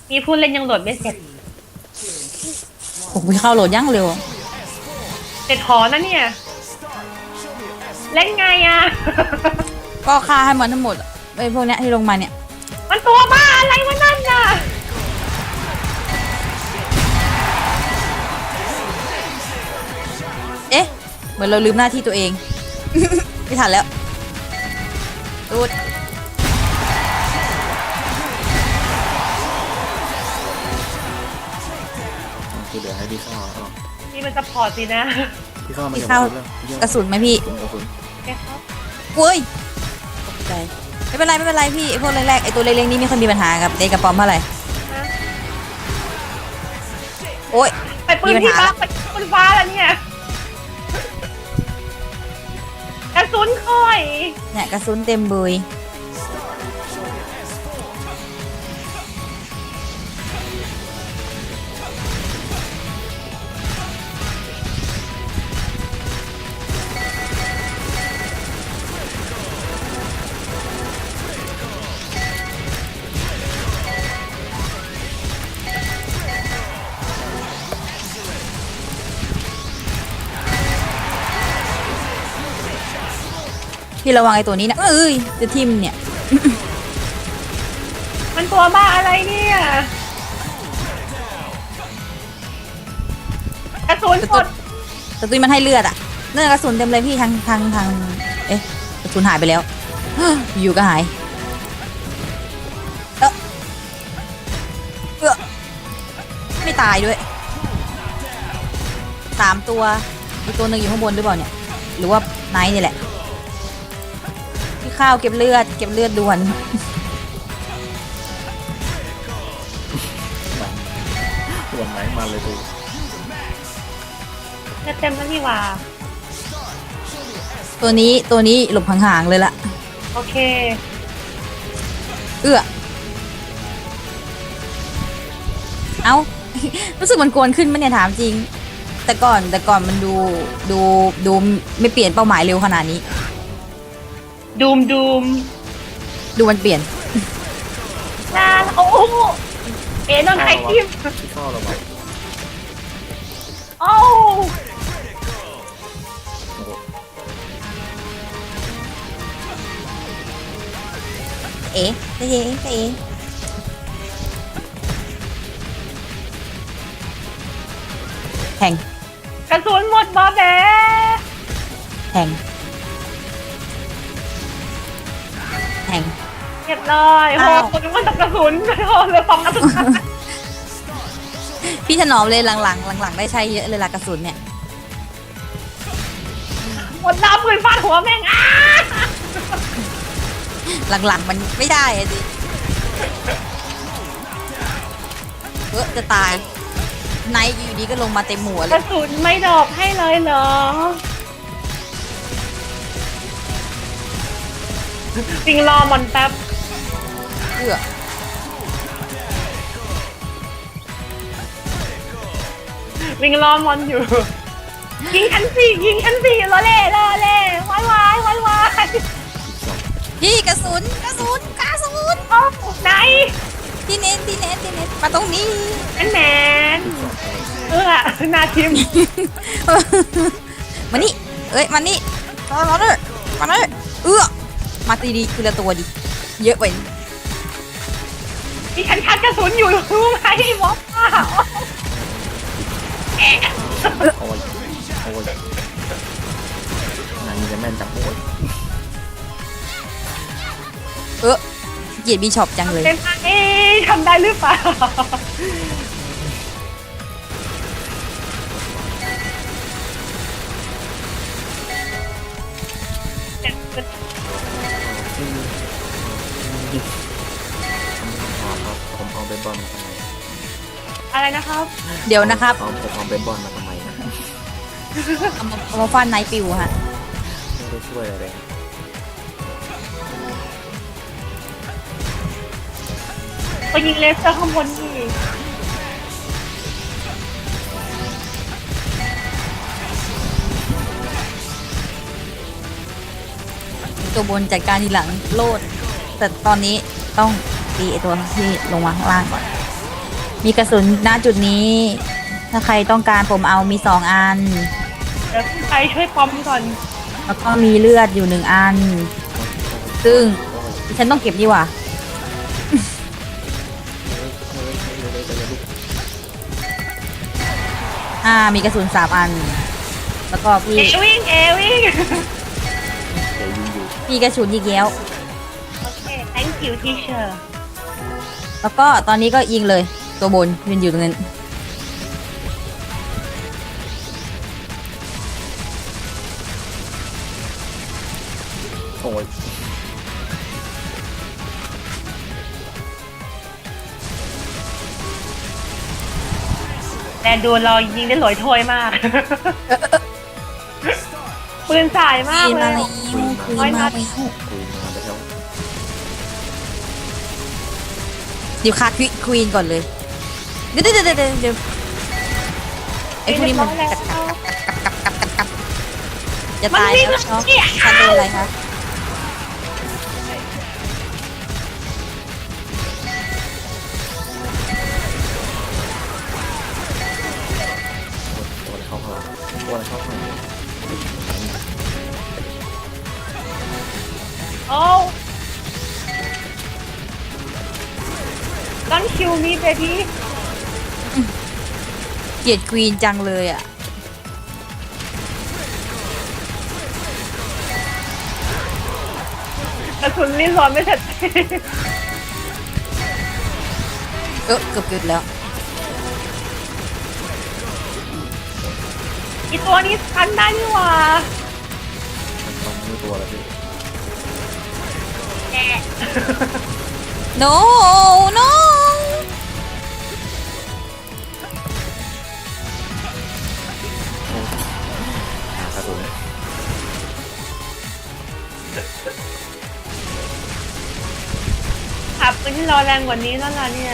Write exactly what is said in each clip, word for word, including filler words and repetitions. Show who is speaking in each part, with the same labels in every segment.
Speaker 1: มีผู้เล่นยังโหลดไม่เสร็จ
Speaker 2: ผมไปเข้าโหลดยังเร็ว
Speaker 1: เสร็จหอนะเนี่ยเล่นไงอ่ะ
Speaker 2: ก็ฆ่าให้มันทั้งหมดไอ้พวกเนี้ยที่ลงมาเนี่ย
Speaker 1: มันตัวบ้าอะไรวะนั่นน่ะ
Speaker 2: เอ๊ะเหมือนเราลืมหน้าที่ตัวเอง ไม่ทันแล้วตูด
Speaker 3: คือเดี๋ยวให้พี่เข้าเอา
Speaker 1: นี่มันจะพอร์ตสินะ
Speaker 3: พี่เข้ามา
Speaker 2: พี่เข้ากระสุนไหมพี่
Speaker 3: กระสุน
Speaker 1: แกครับ
Speaker 2: เว้ยตกใจไม่เป็นไรไม่เป็นไรพี่ไอ้พวกแรกๆไอ้ตัวเล็กๆนี่ไม่ค่อยมีปัญหากับเด็กกับปอมเท่าไหร่โอ๊ย
Speaker 1: ไปปืนที่ฟ้าไปปืนฟ้าแล้วเนี่ยกระสุนค่อย
Speaker 2: เนี่ยกระสุนเต็มบุยพี่ระวังไอ้ตัวนี้นะเอ้ยจะทิ่มเนี่ย
Speaker 1: มันตัวบ้าอะไรเนี่ยกระสุนหมด
Speaker 2: กระสุนมันให้เลือดอ่ะเนื้อกระสุนเต็มเลยพี่ทางทางทางเอ๊ะกระสุนหายไปแล้ว อยู่ก็หายเออเออไม่ตายด้วยสามตัวอีกตัวหนึ่งอยู่ข้างบนหรือเปล่าเนี่ยหรือว่าไนท์นี่แหละพี่ข้าวเก็บเลือดเก็บเลือดด่วน
Speaker 3: ด่วนไหนมาเลยดู
Speaker 1: จะเต็มแล้วนี่ว่า
Speaker 2: ตัวนี้ตัวนี้หลบห่างๆเลยละ
Speaker 1: โอเค
Speaker 2: เอื้อเอ้า รู้สึกมันกวนขึ้นมั้ยเนี่ยถามจริงแต่ก่อนแต่ก่อนมันดูดูดูไม่เปลี่ยนเป้าหมายเร็วขนาดนี้
Speaker 1: ดูมดูม
Speaker 2: ดูมันเปลี่ยน
Speaker 1: น่าโอ้เอ๋นอนไข่ทิม
Speaker 3: พี่เข้าเราไป
Speaker 1: โอ้
Speaker 2: เอ๋เอ๋เอ๋แทง
Speaker 1: กระสุนหมดบอแบ
Speaker 2: แทงแทง
Speaker 1: เรียบร้อยโหคนมันตกกระสุนโหเลยฟองกระสุน
Speaker 2: พี่ถนอมเลยหลังๆหลังๆได้ใช้เยอะเลยละกระสุนเนี่ย
Speaker 1: หมดน้ำปืนฟาดหัวแม่งอ้า
Speaker 2: หลังๆมันไม่ได้อะดิเออจะตายไนท์อยู่ดีก็ลงมาเต็มหัวเลย
Speaker 1: กระสุนไม่ดอกให้เลยเหรอจริงรอมันแป๊บ
Speaker 2: เอื้อ
Speaker 1: วิ่งรอมอนอยู่ยิงชั้นสี่ยิงชั้นสี่รอเล่รอเล่วายวายวายวาย
Speaker 2: พี่กระสุนกระสุนกระสุน
Speaker 1: โอ้ไหน
Speaker 2: ที่เน้นที่เน้นที่เน้นมาตรงนี้
Speaker 1: แอนแมนเออนาทิม
Speaker 2: มานี่เอ้ยมานี่มามาเลยมาเลยเอื้อมาตีดีคือละตัวดิเยอะไป
Speaker 1: มีฉันชักกระสุนอยู่รู้ไหมวอป้า
Speaker 3: โอ้ยโอ้ยนายจะแม่นจังโอ้ย
Speaker 2: เออเกียรติบีช็อปจังเลย
Speaker 1: เป็นไงทำได้หรือเปล่า
Speaker 3: ผมเอาเบสบอลมาทำไม
Speaker 1: อะไรนะครับ
Speaker 2: เดี๋ยวนะครับ
Speaker 3: ผมเอาเบสบอลมาทำไมนะ
Speaker 2: เอามาเอามาฟันไนปิวฮะ
Speaker 3: ไม่ได้ช่วยอะไร
Speaker 1: ไปยิงเลเซอร์ข้างบนนี่
Speaker 2: ตัวบนจัดการทีหลังโลดแต่ตอนนี้ต้องตีไอตัวที่ลงมาข้างล่างก่อนมีกระสุนณจุดนี้ ถ้าใครต้องการผมเอามีสองอัน
Speaker 1: เดี๋ยวใครช่วยปอมก่อน
Speaker 2: แล้วก็มีเลือดอยู่หนึ่งอัน ซึ่งดิฉันต้องเก็บดีกว่า อ่า มีกระสุนสามอัน แล้วก็พี่
Speaker 1: เอวิ่งเอวิ่ง
Speaker 3: เดี๋ยวยิงอยู่
Speaker 2: มีกระสุนยิงแย้ว
Speaker 1: โอเค thank you teacher
Speaker 2: แล้วก็ตอนนี้ก็ยิงเลย ตัวบนยืนอยู่ตรงนั้น
Speaker 3: โอ้ย
Speaker 1: แต่ดูเรายิงได้หลอยโถยมาก ปืนสายมาก
Speaker 2: ควีน
Speaker 1: เล
Speaker 2: มาย แล้วควีนมาแล้ว
Speaker 3: คุยมาไปแล้ว
Speaker 2: เดี๋ยวคาควีควีนก่อนเลย เดี๋ยวเดี๋ยวเดี๋ยวเดี๋ยวเดี๋ยวไอ้พวกนี้มัน
Speaker 1: เรียบ
Speaker 2: กัด
Speaker 1: ร้อย
Speaker 2: กัด
Speaker 1: แล้ว
Speaker 2: กัดกัดกัดกัดกัดจะ
Speaker 1: มัน
Speaker 2: ตาย
Speaker 1: วิ่ง
Speaker 2: แล้วเนาะ
Speaker 1: เนี่ย
Speaker 2: ฉันโดนอะไรคะ
Speaker 3: ตัวอะไรเข้าข้างหลังตัวอะไรเข้าข้างหลัง
Speaker 1: โอ้ Don't kill me baby
Speaker 2: เกลียดควีนจังเลยอ่ะ
Speaker 1: กระสุนลิ้นร้อนไม่เสร็จ
Speaker 2: เออเกือบเกิดแล้ว
Speaker 1: อีตัวนี้ทันได้นี่หว่า
Speaker 3: มันต้องมือตัวแล้วพี่
Speaker 1: แกะ
Speaker 2: no no
Speaker 3: หากระสุน
Speaker 1: ขับปืนที่รอแรงกว่านี้แล้วล่ะเนี่ย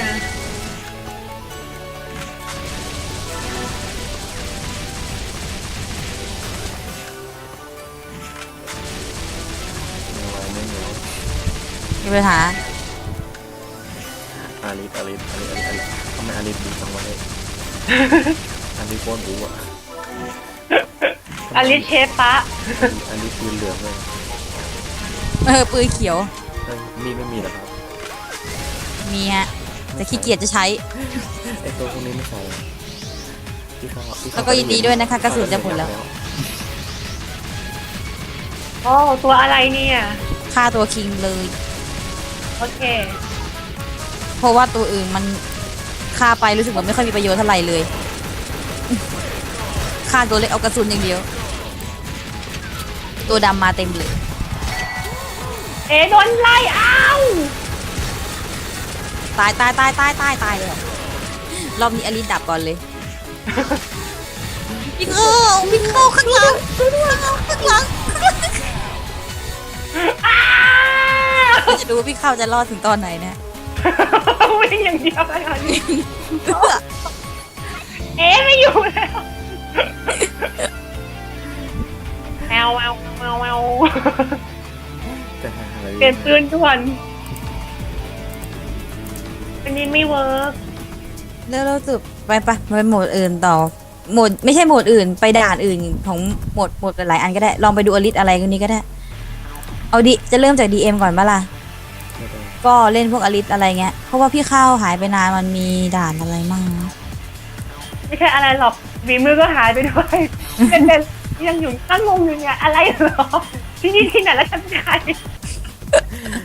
Speaker 3: ไม่ไหวไม่เหนียว
Speaker 2: มีปัญหา
Speaker 3: อาริสอาริสอาริสอาริสอาริสทำไมอาริสดีจังวะเนี่ยอาริสโคตรบู๊อะ
Speaker 1: อลิสเชฟปะ
Speaker 3: อาริสปืนเหลืองเลย
Speaker 2: เออปืนเขียว
Speaker 3: เอ้ยมีดไม่มีเหรอครับ
Speaker 2: มีฮะแต่ขี้เกียจจะใช้
Speaker 3: ไอตัวพวกนี้ไม่ใช่ที่เขาที่เขา
Speaker 2: แล้วก็ยินดีด้วยนะคะกระสุนจะหมดแล้ว
Speaker 1: โอ้ตัวอะไรเนี่ย
Speaker 2: ฆ่าตัวคิงเลย
Speaker 1: โอเค
Speaker 2: เพราะว่าตัวอื่นมันฆ่าไปรู้สึกว่าไม่ค่อยมีประโยชน์เท่าไหร่เลยฆ่าตัวเล็กเอากระสุนอย่างเดียว ตัวดำมาเต็มเลย
Speaker 1: เอ๋โดนไล่อ้าว
Speaker 2: ตายตายตายตายตายตายเลยอะรอบนี้อลิสดับก่อนเลยพี่เข้าพี่เข้าข้างหลังข้างหลัง
Speaker 1: อ้าว
Speaker 2: เราจะดูว่าพี่เข้าจะรอดถึงตอนไหนนะ
Speaker 1: วิ่งอย่างเดียวเลยค่ะนี่เอ๋ไม่อยู่แล้วแมวแมวแมวแมว
Speaker 3: จะหาอะไร
Speaker 1: เปลี่ยนปืนด่วนอันนี้ไม่เวิร์ก
Speaker 2: แล้วเราสุดไปปะไปโหมดอื่นต่อโหมดไม่ใช่โหมดอื่นไปด่านอื่นของโหมดโหมดหลายๆอันก็ได้ลองไปดูอลิสอะไรกันนี้ก็ได้เอาดิจะเริ่มจาก ดี เอ็ม ก่อนปะล่ะ
Speaker 3: ไม่ได้
Speaker 2: ก็เล่นพวกอลิสอะไรเงี้ยเพราะว่าพี่ข้าวหายไปนานมันมีด่านอะไรมั่งนะ
Speaker 1: ไม่ใช่อะไรหรอกฝีมือก็หายไปด้วยเป็นเป็นยังอยู่ตั้งงงอยู่เนี่ยอะไรเหรอที่นี่ที่ไหนแล้วฉันเป็นใคร